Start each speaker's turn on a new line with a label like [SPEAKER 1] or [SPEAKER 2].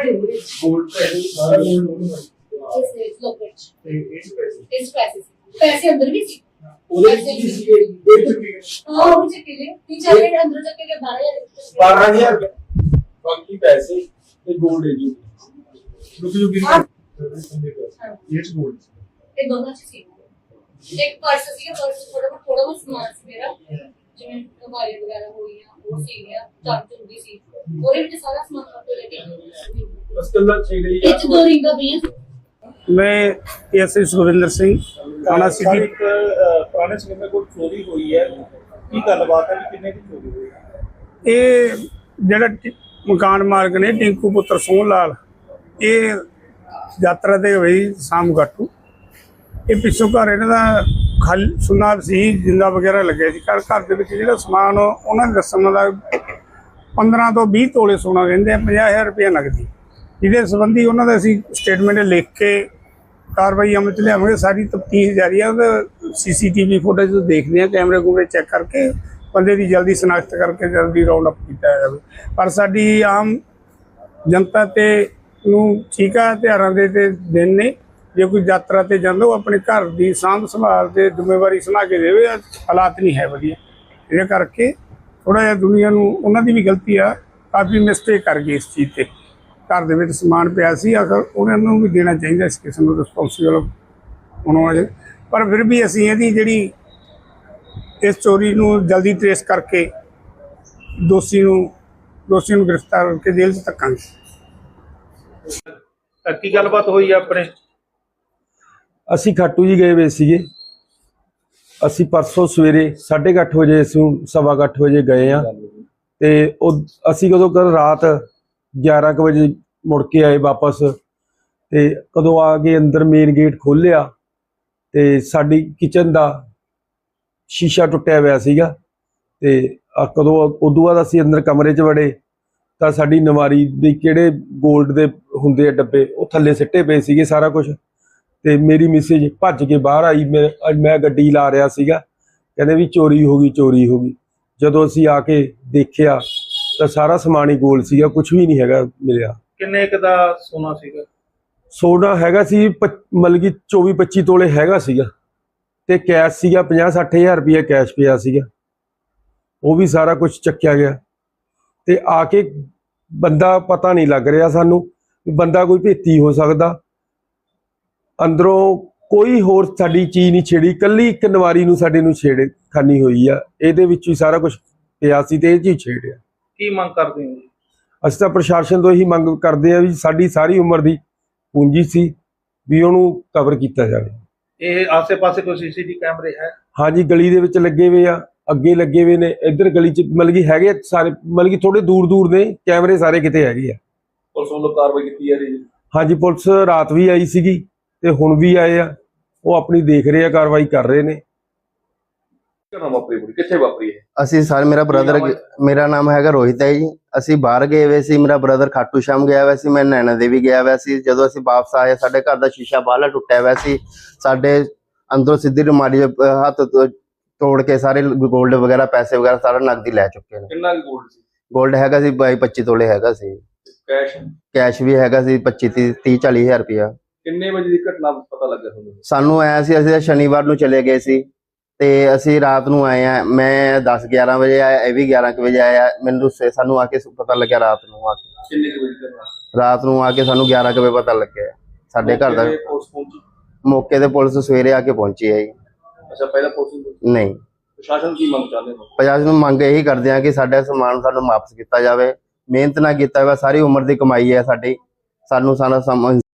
[SPEAKER 1] Gold सारा gold
[SPEAKER 2] पैसे अंदर भी सी
[SPEAKER 1] ओदे की सी दे चुके
[SPEAKER 2] हां वो चक्के ले 3-4 अंदर चक्के के
[SPEAKER 1] 12000 बाकी पैसे ते गोल्ड है जो रुक जो गिर ये गोल्ड
[SPEAKER 2] ये दोनों चीज सी एक पर्स सी पर्स थोड़ा बहुत सामान सी मेरा जिਵੇਂ कबाड़ी वगैरह हो गया वो सी गया चार्जर भी सी और ये सारा सामान आपको लेके
[SPEAKER 1] बस कल चाहिए
[SPEAKER 2] एक दो रिंग का भैया
[SPEAKER 3] मैं एसआई सुखविंदर सिंह थाना सिटी
[SPEAKER 4] पुराने समय में कोई चोरी हुई है की गलबात है कि कितने की चोरी हुई है
[SPEAKER 3] ਇਹ ਜਿਹੜਾ ਮਕਾਨ ਮਾਲਕ ਨੇ ਟਿੰਕੂ ਪੁੱਤਰ ਸੋਹਣ ਲਾਲ ਇਹ ਯਾਤਰਾ ਤੇ ਹੋਈ ਸ਼ਾਮ ਗਾਟੂ ਇਹ ਪਿੱਛੋਂ ਘਰ ਇਹਨਾਂ ਦਾ ਖਾਲੀ ਸੁੰਨਾ ਸੀ ਜਿੰਦਾ ਵਗੈਰਾ ਲੱਗਿਆ ਸੀ ਘਰ ਦੇ ਵਿੱਚ ਜਿਹੜਾ ਸਮਾਨ ਉਹਨਾਂ ਦੇ ਦੱਸਣ ਦਾ 15 ਤੋਂ 20 ਤੋਲੇ ਸੋਨਾ ਕਹਿੰਦੇ ਆ 50000 ਰੁਪਏ ਨਗਦੀ ਜਿਹਦੇ ਸੰਬੰਧੀ ਉਹਨਾਂ ਦਾ ਅਸੀਂ ਸਟੇਟਮੈਂਟ ਲਿਖ ਕੇ ਕਾਰਵਾਈ ਅਮਲ 'ਚ ਲਿਆਵਾਂਗੇ। ਸਾਰੀ ਤਫਤੀਸ਼ ਜਾਰੀ ਆ ਉਹਦਾ ਸੀਸੀਟੀਵੀ ਫੁਟੇਜ ਦੇਖਦੇ ਆ ਕੈਮਰੇ ਕੂਮਰੇ ਚੈੱਕ ਕਰਕੇ ਬੰਦੇ ਦੀ ਜਲਦੀ ਸ਼ਨਾਖਤ ਕਰਕੇ ਜਲਦੀ ਰਾਉਂਡ ਅਪ ਕੀਤਾ ਜਾਵੇ। ਪਰ ਸਾਡੀ ਆਮ ਜਨਤਾ ਤੇ ਨੂੰ ਚੀਕਾ ਤਿਉਹਾਰਾਂ ਦੇ ਤੇ ਦਿਨ ਨੇ ਜੇ ਕੋਈ ਯਾਤਰਾ ਤੇ ਜਾਂਦਾ ਉਹ ਆਪਣੇ ਘਰ ਦੀ ਸਾਂਭ ਸੰਭਾਲ ਤੇ ਜ਼ਿੰਮੇਵਾਰੀ ਸਮਾ ਕੇ ਦੇਵੇ। ਹਾਲਾਤ ਨਹੀਂ ਹੈ ਵਧੀਆ ਇਹਦੇ ਕਰਕੇ ਥੋੜਾ ਜਿਹਾ ਦੁਨੀਆ ਨੂੰ ਉਹਨਾਂ ਦੀ ਵੀ ਗਲਤੀ ਆ ਕਾਫੀ ਮਿਸਟੇਕ ਕਰ ਗਈ ਇਸ ਚੀਜ਼ ਤੇ। ਘਰ ਦੇ ਵਿੱਚ ਸਮਾਨ ਪਿਆ ਸੀ ਆਖਰ ਉਹਨਾਂ ਨੂੰ ਵੀ ਦੇਣਾ ਚਾਹੀਦਾ ਇਸ ਕਿਸਮ ਨੂੰ ਰਿਸਪੌਂਸੀਬਲ ਹੋਣਾ ਚਾਹੀਦਾ। ਪਰ ਫਿਰ ਵੀ ਅਸੀਂ ਇਹਦੀ ਜਿਹੜੀ ਇਸ ਚੋਰੀ ਨੂੰ ਜਲਦੀ ਟ੍ਰੇਸ ਕਰਕੇ ਦੋਸ਼ੀ ਨੂੰ ਗ੍ਰਿਫਤਾਰ ਕਰਕੇ ਜੇਲ੍ਹ 'ਚ ਧੱਕਾਂਗੇ।
[SPEAKER 4] की गलबात हुई है अपने
[SPEAKER 5] ਅਸੀਂ ਖਾਟੂ ਜੀ ਗਏ ਵੇ ਸੀਗੇ। ਅਸੀਂ ਪਰਸੋਂ ਸਵੇਰੇ 8:30 ਵਜੇ ਅਸੀਂ 8:15 ਵਜੇ ਗਏ ਆ ਤੇ ਉਹ ਅਸੀਂ ਕਦੋਂ ਕੱਲ ਰਾਤ 11 ਵਜੇ ਮੁੜ ਕੇ ਆਏ ਵਾਪਸ ਤੇ ਕਦੋਂ ਆ ਕੇ ਅੰਦਰ ਮੇਨ ਗੇਟ ਖੋਲ੍ਹਿਆ ਤੇ ਸਾਡੀ ਕਿਚਨ ਦਾ ਸ਼ੀਸ਼ਾ ਟੁੱਟਿਆ ਹੋਇਆ ਸੀਗਾ ਤੇ ਕਦੋਂ ਉਦੋਂ ਬਾਅਦ ਅਸੀਂ ਅੰਦਰ ਕਮਰੇ 'ਚ ਵੜੇ ਤਾਂ ਸਾਡੀ ਨਵਾਰੀ ਦੇ ਕਿਹੜੇ 골ਡ ਦੇ ਹੁੰਦੇ ਆ ਡੱਬੇ ਉਹ ਥੱਲੇ ਸਿੱਟੇ ਪਏ ਸੀਗੇ ਸਾਰਾ ਕੁਝ। ਤੇ ਮੇਰੀ ਮਿਸੇਜ ਭੱਜ ਕੇ ਬਾਹਰ ਆਈ। ਮੈਂ ਗੱਡੀ ਲਾ ਰਿਹਾ ਸੀਗਾ ਕਹਿੰਦੇ ਵੀ ਚੋਰੀ ਹੋ ਗਈ। ਜਦੋਂ ਅਸੀਂ ਆ ਕੇ ਦੇਖਿਆ ਤਾਂ ਸਾਰਾ ਸਮਾਨ ਹੀ ਗੋਲ ਸੀਗਾ, ਕੁਝ ਵੀ ਨਹੀਂ ਹੈਗਾ ਮਿਲਿਆ।
[SPEAKER 4] किन्ने क दा सोना सीगा
[SPEAKER 5] ਸੋਨਾ ਹੈਗਾ ਸੀ ਮਤਲਬ ਕਿ 24-25 ਤੋਲੇ ਹੈਗਾ ਸੀਗਾ ਤੇ ਕੈਸ਼ ਸੀਗਾ 50-60 ਹਜ਼ਾਰ ਰੁਪਇਆ ਕੈਸ਼ ਪਿਆ ਸੀਗਾ, ਉਹ ਵੀ ਸਾਰਾ ਕੁਝ ਚੱਕਿਆ ਗਿਆ। ਤੇ ਆ ਕੇ ਬੰਦਾ ਪਤਾ ਨਹੀਂ ਲੱਗ ਰਿਹਾ ਸਾਨੂੰ ਬੰਦਾ ਕੋਈ ਭੇਤੀ ਹੋ ਸਕਦਾ। ਅੰਦਰੋਂ ਕੋਈ ਹੋਰ ਸਾਡੀ ਚੀਜ਼ ਨਹੀਂ ਛੇੜੀ, ਕੱਲੀ ਇੱਕ ਨਵਾਰੀ ਨੂੰ ਸਾਡੇ ਨੂੰ ਛੇੜੇ ਖਾਨੀ ਹੋਈ ਆ, ਇਹਦੇ ਵਿੱਚ ਹੀ ਸਾਰਾ ਕੁਝ ਪਿਆ ਸੀ ਤੇ ਇਹ ਚੀਜ਼ ਛੇੜਿਆ।
[SPEAKER 4] की मांग करते हो
[SPEAKER 5] ਅਸੀਂ ਤਾਂ ਪ੍ਰਸ਼ਾਸਨ ਤੋਂ ਇਹੀ ਮੰਗ ਕਰਦੇ ਆ ਵੀ ਸਾਡੀ ਸਾਰੀ ਉਮਰ ਦੀ ਪੂੰਜੀ ਸੀ ਵੀ ਉਹਨੂੰ ਕਵਰ ਕੀਤਾ ਜਾਵੇ।
[SPEAKER 4] ये आसे पासे कोई सीसीटीवी कैमरे है
[SPEAKER 5] ਹਾਂਜੀ ਗਲੀ ਦੇ ਵਿੱਚ ਲੱਗੇ ਹੋਏ ਆ, ਅੱਗੇ ਲੱਗੇ ਹੋਏ ਨੇ, ਇੱਧਰ ਗਲੀ 'ਚ ਮਤਲਬ ਕਿ ਹੈਗੇ ਸਾਰੇ, ਮਤਲਬ ਕਿ ਥੋੜੇ ਦੂਰ ਨੇ ਕੈਮਰੇ ਸਾਰੇ ਕਿਤੇ ਹੈਗੇ ਆ।
[SPEAKER 1] ਪੁਲਿਸ ਵੱਲੋਂ ਕਾਰਵਾਈ ਕੀਤੀ ਜਾ ਰਹੀ ਹੈ।
[SPEAKER 5] ਹਾਂਜੀ ਪੁਲਿਸ ਰਾਤ ਵੀ ਆਈ ਸੀਗੀ ਤੇ ਹੁਣ ਵੀ ਆਏ ਆ, ਉਹ ਆਪਣੀ ਦੇਖ ਰਹੇ ਆ, ਕਾਰਵਾਈ ਕਰ ਰਹੇ ਨੇ।
[SPEAKER 1] ਕਿਹਨਾਂ ਵਾਪਰੀ ਪੂਰੀ ਕਿੱਥੇ ਵਾਪਰੀ ਹੈ?
[SPEAKER 6] ਅਸੀਂ ਸਾਰੇ ਮੇਰਾ ਨਾਮ ਹੈਗਾ ਰੋਹਿਤ ਹੈ ਜੀ। ਅਸੀਂ ਬਾਹਰ ਗਏ ਹੋਏ ਸੀ, ਮੇਰਾ ਬ੍ਰਦਰ ਖਾਟੂ ਸ਼ਾਮ ਗਿਆ ਹੋਇਆ ਸੀ, ਮੈਂ ਨੈਣਾ ਦੇਵੀ ਗਿਆ ਹੋਇਆ ਸੀ। ਜਦੋਂ ਅਸੀਂ ਵਾਪਸ ਆਏ ਸਾਡੇ ਘਰ ਦਾ ਸ਼ੀਸ਼ਾ ਬਾਹਲਾ ਟੁੱਟਿਆ ਹੋਇਆ ਸੀ, ਸਾਡੇ ਅੰਦਰੋਂ ਸਿੱਧੀ ਰੁਮਾਲੀ ਹੱਥ ਤੋੜ ਕੇ ਸਾਰੇ ਗੋਲਡ ਵਗੈਰਾ ਪੈਸੇ ਵਗੈਰਾ ਸਾਰਾ ਨਕਦੀ ਲੈ ਚੁੱਕੇ ਨੇ।
[SPEAKER 1] ਕਿੰਨਾ ਗੋਲਡ ਸੀ?
[SPEAKER 6] ਗੋਲਡ ਹੈਗਾ ਸੀ 22-25 ਤੋਲੇ ਹੈਗਾ ਸੀ, ਕੈਸ਼ ਵੀ ਹੈਗਾ ਸੀ 25-30-40 ਹਜ਼ਾਰ ਰੁਪਇਆ।
[SPEAKER 1] ਕਿੰਨੇ ਵਜੇ ਦੀ ਘਟਨਾ ਪਤਾ ਲੱਗਾ ਤੁਹਾਨੂੰ?
[SPEAKER 6] ਸਾਨੂੰ ਆਇਆ ਸੀ, ਅਸੀਂ ਸ਼ਨੀਵਾਰ ਨੂੰ ਚਲੇ ਗਏ ਸੀ ਤੇ ਅਸੀਂ ਰਾਤ ਨੂੰ ਆਏ ਆ। ਮੈਂ 10-11 ਵਜੇ ਆਇਆ, ਇਹ ਵੀ 11 ਵਜੇ ਆਇਆ। ਮੈਨੂੰ ਸਾਨੂੰ ਆ ਕੇ ਪਤਾ ਲੱਗਿਆ ਰਾਤ ਨੂੰ ਆ ਕੇ,
[SPEAKER 1] ਕਿੰਨੇ ਵਜੇ ਘਟਨਾ?
[SPEAKER 6] ਰਾਤ ਨੂੰ ਆ ਕੇ ਸਾਨੂੰ 11 ਵਜੇ ਪਤਾ ਲੱਗਿਆ ਸਾਡੇ ਘਰ ਦਾ।
[SPEAKER 1] ਪੁਲਿਸ ਪਹੁੰਚੀ?
[SPEAKER 6] ਮੌਕੇ ਤੇ ਪੁਲਿਸ ਸਵੇਰੇ ਆ ਕੇ ਪਹੁੰਚੀ ਹੈ ਜੀ।
[SPEAKER 1] ਅੱਛਾ ਪਹਿਲਾਂ ਪੁਲਿਸ
[SPEAKER 6] ਨਹੀਂ,
[SPEAKER 1] ਪ੍ਰਸ਼ਾਸਨ ਕੀ ਮੰਗ ਚਾਹੁੰਦੇ ਹੋ?
[SPEAKER 6] ਪ੍ਰਸ਼ਾਸਨ ਨੂੰ ਮੰਗ ਇਹੀ ਕਰਦੇ ਆ ਕਿ ਸਾਡਾ ਸਮਾਨ ਸਾਨੂੰ ਵਾਪਸ ਕੀਤਾ ਜਾਵੇ। ਮਿਹਨਤ ਨਾਲ ਕੀਤਾ ਹੋਇਆ ਸਾਰੀ ਉਮਰ ਦੀ ਕਮਾਈ ਹੈ ਸਾਡੀ, ਸਾਨੂੰ ਸਾਰਾ